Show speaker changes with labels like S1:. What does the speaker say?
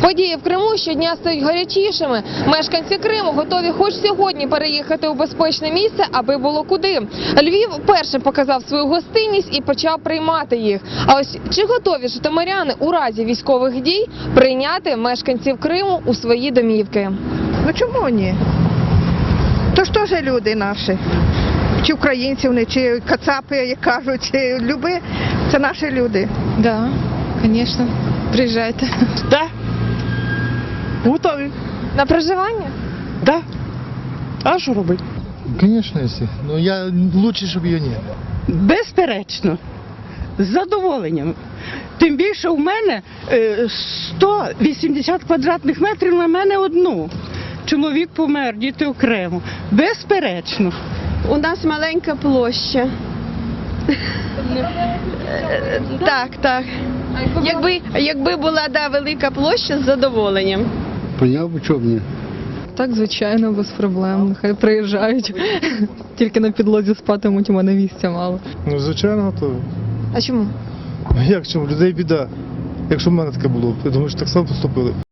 S1: Події в Криму щодня стають гарячішими. Мешканці Криму готові хоч сьогодні переїхати у безпечне місце, аби було куди. Львів першим показав свою гостинність і почав приймати їх. А ось чи готові житомиряни у разі військових дій прийняти мешканців Криму у свої домівки?
S2: Ну чому ні? То ж теж люди наші. Чи українці вони, чи кацапи, як кажуть, чи люби, це наші люди.
S3: Да, звісно. Приїжджайте.
S4: Да. Готові.
S1: На проживання?
S4: Да. А що робити?
S5: Конечно, если. Но лучше, чтобы ее нет.
S4: Безперечно. З задоволенням. Тим більше у мене 180 квадратних метрів на мене одну. Чоловік помер, діти окремо. Безперечно.
S6: У нас маленька площа. Так. Якби була велика площа, з задоволенням.
S5: Поняв, чому ні?
S3: Так, звичайно, без проблем. Нехай приїжджають. Тільки на підлозі спатимуть, у мене місця мало.
S5: Ну, звичайно, готові.
S1: А чому?
S5: Як чому? Людей біда. Якщо в мене таке було, я думаю, що так само поступили.